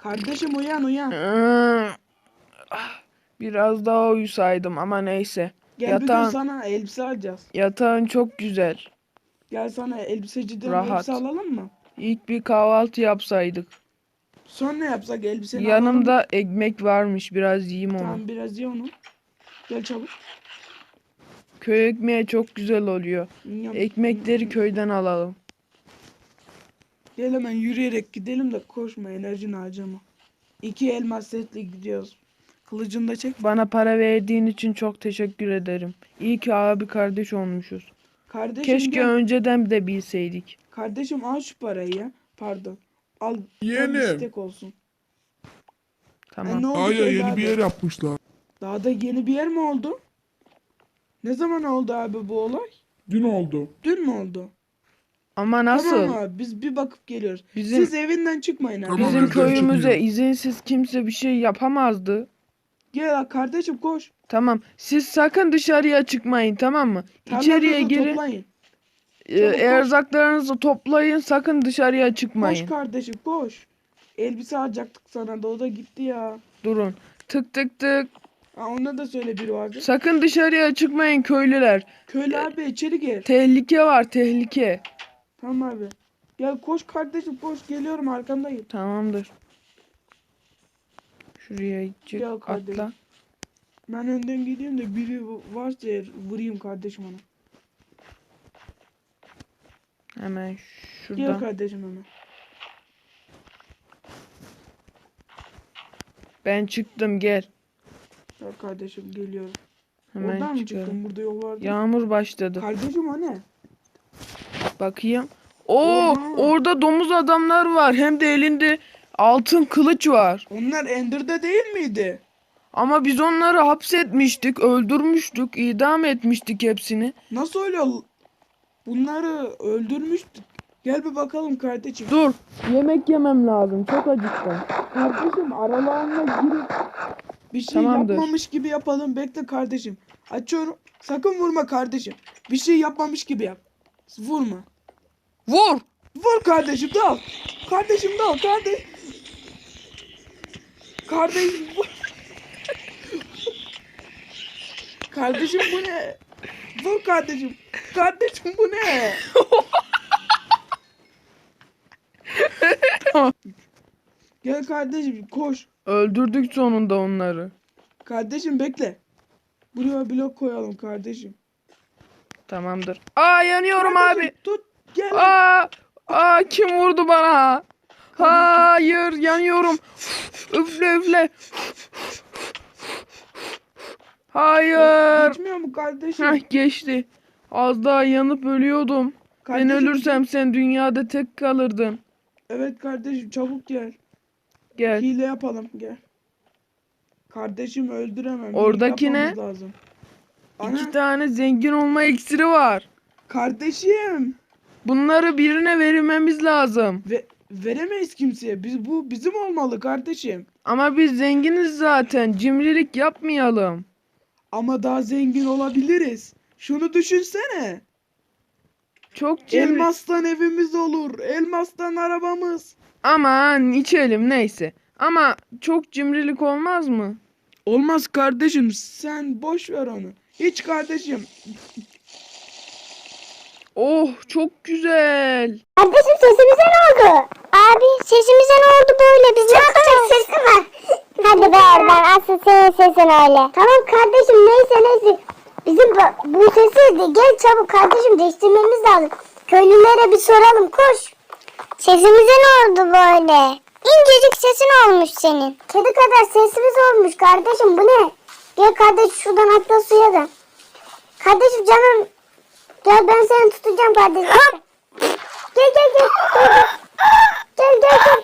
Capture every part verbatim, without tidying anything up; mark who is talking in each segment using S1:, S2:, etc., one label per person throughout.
S1: Kardeşim uyan uyan.
S2: Biraz daha uyusaydım ama neyse.
S1: Gel bir gün
S2: Yatağın,
S1: sana elbise alacağız.
S2: yatağın çok güzel.
S1: Gel sana elbiseciden
S2: Rahat.
S1: elbise alalım mı?
S2: İlk bir kahvaltı yapsaydık.
S1: Sonra ne yapsak elbiseni alalım mı?
S2: Yanımda ekmek varmış. Biraz yiyeyim onu.
S1: Tamam biraz ye onu. Gel çabuk.
S2: Köy ekmeği çok güzel oluyor.
S1: Yum,
S2: Ekmekleri
S1: yum.
S2: köyden alalım.
S1: Gel hemen yürüyerek gidelim de koşma, enerjini harcama. İki elmas setle gidiyoruz. Kılıcını da çek.
S2: Bana para verdiğin için çok teşekkür ederim. İyi ki abi kardeş olmuşuz.
S1: Kardeşim
S2: Keşke
S1: gel.
S2: önceden de bilseydik.
S1: Kardeşim al şu parayı ya. Pardon. Al. Tam
S3: Yeğenim.
S1: istek olsun.
S2: Tamam.
S1: E, ne oldu
S3: Aya
S1: söyle
S3: yeni
S1: abi.
S3: bir yer yapmışlar.
S1: Daha da yeni bir yer mi oldu? Ne zaman oldu abi bu olay?
S3: Dün oldu.
S1: Dün mü oldu?
S2: Ama nasıl?
S1: Tamam abi biz bir bakıp geliyoruz.
S2: Bizim
S1: Siz evinden çıkmayın abi.
S3: Tamam,
S2: bizim
S3: bizden
S2: köyümüze
S3: çıkmıyor.
S2: izinsiz kimse bir şey yapamazdı.
S1: Gel kardeşim koş.
S2: Tamam. Siz sakın dışarıya çıkmayın, tamam mı? İçeriye
S1: Tarlanızı
S2: girin.
S1: toplayın.
S2: e,
S1: Çabuk koş.
S2: erzaklarınızı toplayın. Sakın dışarıya
S1: Koş
S2: çıkmayın.
S1: kardeşim koş. Elbise alacaktık sana da o da gitti ya.
S2: Durun. Tık tık tık.
S1: Ha, ona da söyle biri vardı.
S2: Sakın dışarıya çıkmayın köylüler.
S1: Köylü abi içeri gir.
S2: Tehlike var, tehlike.
S1: Tamam abi. Gel koş kardeşim koş geliyorum arkandayım.
S2: Tamamdır. Şuraya çık,
S1: Gel kardeşim.
S2: atla.
S1: Ben önden gideyim de biri varsa eğer vurayım kardeşim ona.
S2: Hemen
S1: Gel
S2: şuradan.
S1: kardeşim hemen.
S2: Ben çıktım, gel.
S1: Gel kardeşim geliyorum.
S2: Hemen
S1: Oradan mı
S2: çıkarım.
S1: çıktın? Burada yol vardı.
S2: Yağmur başladı.
S1: Kardeşim o ne?
S2: Bakayım. Oo,
S1: Oha.
S2: orada domuz adamlar var. Hem de elinde altın kılıç var.
S1: Onlar Ender'da değil miydi?
S2: Ama biz onları hapsetmiştik, öldürmüştük, idam etmiştik hepsini.
S1: Nasıl öyle? ol- Bunları öldürmüştük. Gel bir bakalım kardeşim.
S2: Dur, yemek yemem lazım. Çok acıktım.
S1: Kardeşim aralarına girip bir şey
S2: Tamamdır.
S1: yapmamış gibi yapalım. Bekle kardeşim. Açıyorum. Sakın vurma kardeşim. Bir şey yapmamış gibi yap. Vurma.
S2: Vur!
S1: Vur kardeşim dal. Kardeşim dal. Kardeş. Kardeşim vur. Kardeşim bu ne? Vur kardeşim. Kardeşim bu ne? Gel kardeşim koş.
S2: Öldürdük sonunda onları.
S1: Kardeşim bekle. Buraya blok koyalım kardeşim.
S2: Tamamdır. Aa, yanıyorum
S1: Kardeşim,
S2: abi.
S1: Tut gel.
S2: Aa, aa, kim vurdu bana? Hayır, yanıyorum. Üfle üfle. Hayır.
S1: Geçmiyor mu kardeşim?
S2: Heh, geçti. Az daha yanıp ölüyordum. Ben
S1: Kardeşim,
S2: ölürsem sen dünyada tek kalırdın.
S1: Evet kardeşim çabuk gel.
S2: Gel.
S1: Hile yapalım gel. Kardeşim öldüremem.
S2: Oradaki ne?
S1: Yapmamız lazım. Ana,
S2: İki tane zengin olma iksiri var.
S1: kardeşim.
S2: Bunları birine vermemiz lazım.
S1: Ve veremeyiz kimseye. Biz bu bizim olmalı kardeşim.
S2: Ama biz zenginiz zaten. Cimrilik yapmayalım.
S1: Ama daha zengin olabiliriz. Şunu düşünsene.
S2: Çok cimri.
S1: Elmastan evimiz olur. Elmastan arabamız.
S2: Aman içelim neyse. Ama çok cimrilik olmaz mı?
S1: Olmaz kardeşim. Sen boş ver onu. Hiç kardeşim.
S2: Oh, çok güzel.
S4: Kardeşim sesimize ne oldu? Abi sesimize ne oldu böyle? Biz ne yapacağız? Sesi var. Hadi be oradan. Asıl senin sesin öyle. Tamam kardeşim neyse neyse. Bizim bu, bu sesi de gel çabuk kardeşim değiştirmemiz lazım. Köylülere bir soralım koş. Sesimize ne oldu böyle? İncecik sesin olmuş senin. Kedi kadar sesimiz olmuş kardeşim bu ne? Gel kardeş şuradan atla suya da. Kardeşim canım. Gel ben seni tutacağım kardeşim. Gel gel gel. Gel gel gel.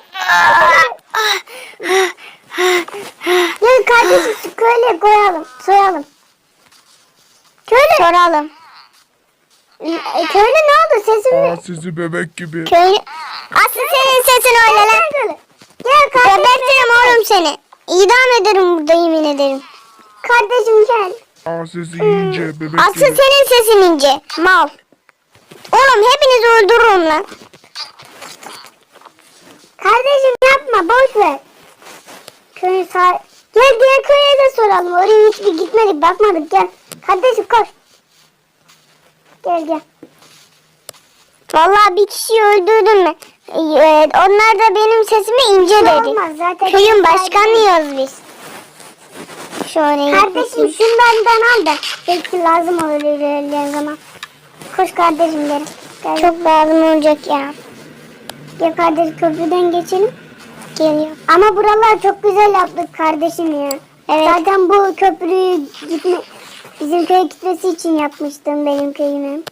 S4: Gel, gel kardeşim şu köyle koyalım. Soyalım. Köyle. Soralım. E, köyle ne oldu sesin
S3: Aa
S4: mi?
S3: sizi bebek gibi.
S4: Köylü. Asıl senin sesin öyle lan. Gel kardeşim. Gebertirim oğlum seni. İdam ederim burada yemin ederim. Kardeşim gel.
S3: Aa sesi iyice bebek
S4: Asıl
S3: gibi.
S4: senin sesin ince. Mal. Oğlum hepinizi öldürürüm lan. Kardeşim yapma boş ver. Köyün sağ... Gel diğer köye de soralım. Oraya hiç bir gitmedik, bakmadık. Gel. Kardeşim koş. Gel gel. Vallahi bir kişiyi öldürdün mü? Ee, onlar da benim sesimi ince dedi. Olmaz, zaten köyün başkanıyız biz. Şöyle kardeşim şunlardan al da belki lazım olur ilerleyen zaman. Koş kardeşim derim. Gel. Çok lazım olacak ya. Gel kardeşim köprüden geçelim. Geliyor. Ama buralar çok güzel yaptık kardeşim ya. Evet. Zaten bu köprüyü gitme, bizim köye gitmesi için yapmıştım benim köyümü.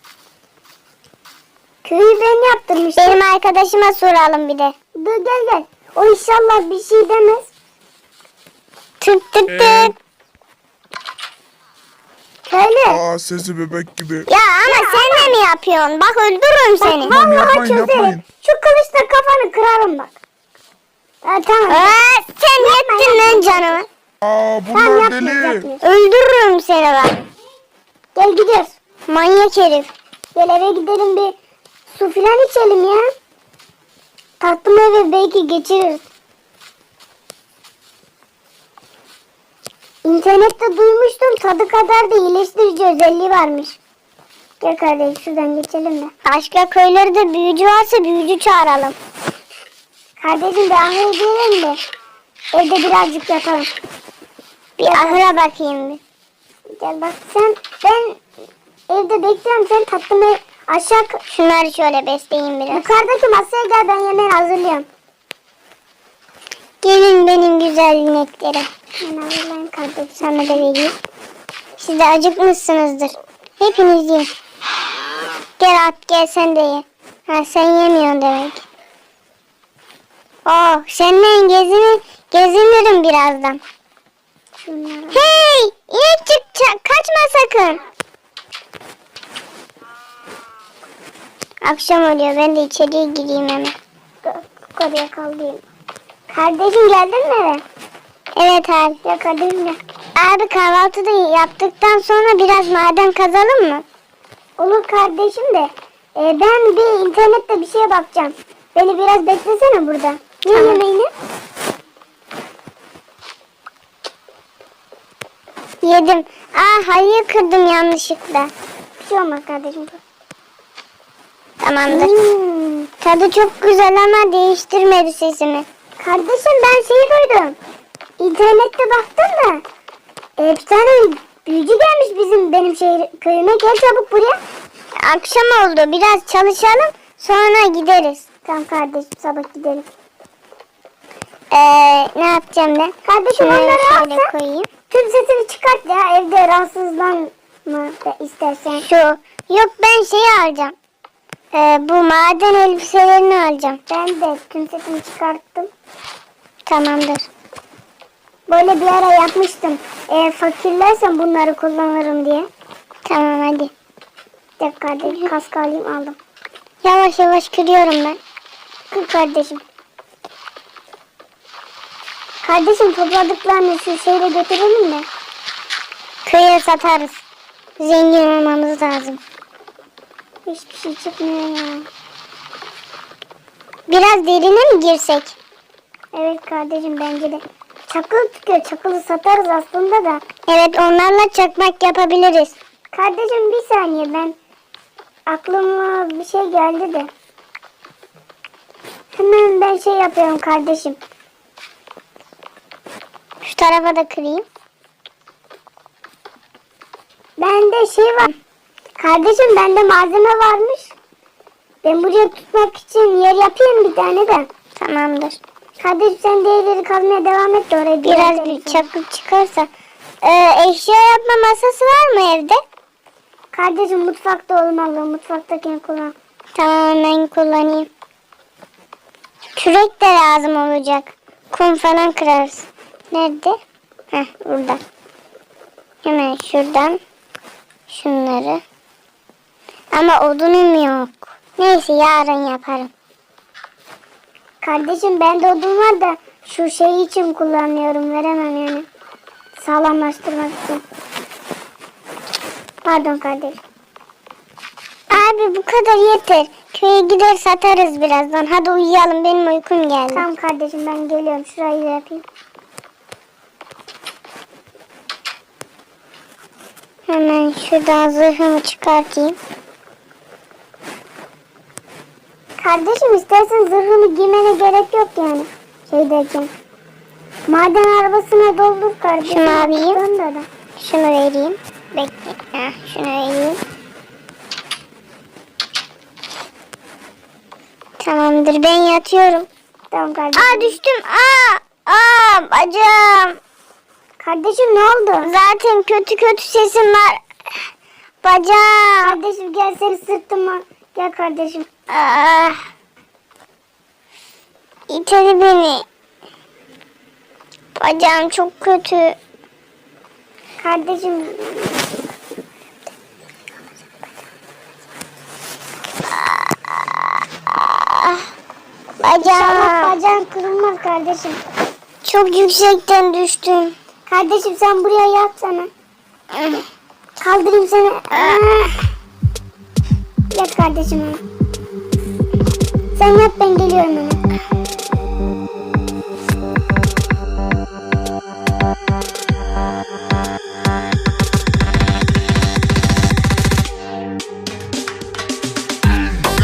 S4: Köyü ben yaptırmıştım. Benim arkadaşıma soralım bir de. Dur gel gel. O inşallah bir şey demez. Tık tık tık.
S3: Ee?
S4: Köylü.
S3: Aa sesi bebek gibi.
S4: Ya ama ya sen de mi yapıyorsun? Bak öldürürüm seni.
S3: Bak,
S4: Vallahi
S3: yapmayın,
S4: çözerim.
S3: yapmayın.
S4: Şu kılıçla kafanı kırarım bak. Ha, tamam. Aa, sen yettin lan canımı.
S3: Aa
S4: Tamam
S3: bunlar
S4: yapmıyoruz,
S3: deli.
S4: yapmıyoruz. Öldürürüm seni bak. Gel gidiyoruz. Manyak herif. Gel eve gidelim bir su filan içelim ya. Tatlım eve belki geçiririz. İnternette duymuştum tadı kadar da iyileştirici özelliği varmış. Gel kardeşim şuradan geçelim de. Başka köylerde büyücü varsa büyücü çağıralım. Kardeşim bir ahıra gidelim de evde birazcık yatalım. Bir ahıra bakayım bir. Gel bak sen ben evde bekliyorum sen tatlımı aşağı şunları şöyle besleyeyim biraz. Yukarıdaki masaya gel ben yemeği hazırlıyorum. Gelin benim güzel ineklerim. Ben hazırlayayım kardeşim sana da vereyim. Siz de acıkmışsınızdır. Hepiniz yiyin. Gel at gel sen de ye. Ha sen yemiyorsun demek. Oh seninle gezini, gezinirim birazdan. Şunları. Hey inekçik kaçma sakın. Akşam oluyor ben de içeriye gireyim hemen. Yukarıya kalayım. Kardeşim geldin mi eve? Evet abi. Ya kardeşim gel. Abi kahvaltıda yaptıktan sonra biraz maden kazalım mı? Olur kardeşim de. E, ben bir internette bir şeye bakacağım. Beni biraz beklesene burada. Ne tamam. Yemeğini? Yedim. Aa hayır kırdım yanlışlıkla. Bir şey olmaz kardeşim. Tamamdır. Hmm, tadı çok güzel ama değiştirmedi sesimi. Kardeşim ben şeyi duydum. İnternette baktım da. E, bir tane büyücü gelmiş bizim benim şehir, köyüme. Gel çabuk buraya. Akşam oldu. Biraz çalışalım. Sonra gideriz. Tamam kardeşim sabah gidelim. Ee, ne yapacağım ben? Kardeşim şunları onları alsa koyayım. Tüm sesini çıkart ya. Evde rahatsızlanma istersen. Şu. Yok ben şeyi alacağım. Ee, bu maden elbiselerini alacağım. Ben de tüm sesini çıkarttım. Tamamdır. Böyle bir ara yapmıştım. Eğer fakirlersem bunları kullanırım diye. Tamam hadi. Gel kardeşim kask alayım aldım. Yavaş yavaş kırıyorum ben. Kır kardeşim. Kardeşim topladıklarını şu şeyle götürelim mi? Köye satarız. Zengin olmamız lazım. Hiçbir şey çıkmıyor ya. Biraz derine mi girsek? Evet kardeşim bence de. Çakıl çıkıyor. Çakılı satarız aslında da. Evet onlarla çakmak yapabiliriz. Kardeşim bir saniye ben aklıma bir şey geldi de. Hemen ben şey yapıyorum kardeşim. Şu tarafa da kırayım. Bende şey var. Kardeşim bende malzeme varmış. Ben buraya tutmak için yer yapayım bir tane de. Tamamdır. Kardeşim sen değerleri kazmaya devam et de oraya. Biraz bir çakıl çıkarsa. Ee, eşya yapma masası var mı evde? Kardeşim mutfakta olmalı. Mutfaktakini kullan. Tamam ben kullanayım. Kürek de lazım olacak. Kum falan kırarız. Nerede? Heh burada. Hemen şuradan. Şunları. Ama odunum yok. Neyse yarın yaparım. Kardeşim bende odun var da şu şey için kullanıyorum. Veremem yani. Sağlamlaştırmak için. Pardon kardeşim. Abi bu kadar yeter. Köye gider satarız birazdan. Hadi uyuyalım benim uykum geldi. Tamam kardeşim ben geliyorum. Şurayı da yapayım. Hemen şuradan zırhımı çıkartayım. Kardeşim istersen zırhını giymene gerek yok yani. Şeydeyken. Maden arabasına doldur kardeşim. Şunu alayım. Da. Şunu vereyim. Bekle. Heh, şunu vereyim. Tamamdır, ben yatıyorum. Tamam kardeşim. Aa düştüm. Aa, aa bacağım. Kardeşim ne oldu? Zaten kötü kötü sesim var. Bacağım. Kardeşim gel seni sırtıma. Gel kardeşim. Aa. İteli beni. Bacağım çok kötü. Kardeşim. Bacağım. İnşallah bacağın kırılmaz kardeşim. Çok yüksekten düştüm. Kardeşim sen buraya yatsana. Kaldırayım seni. Yat kardeşim. Sen yat, ben geliyorum hemen.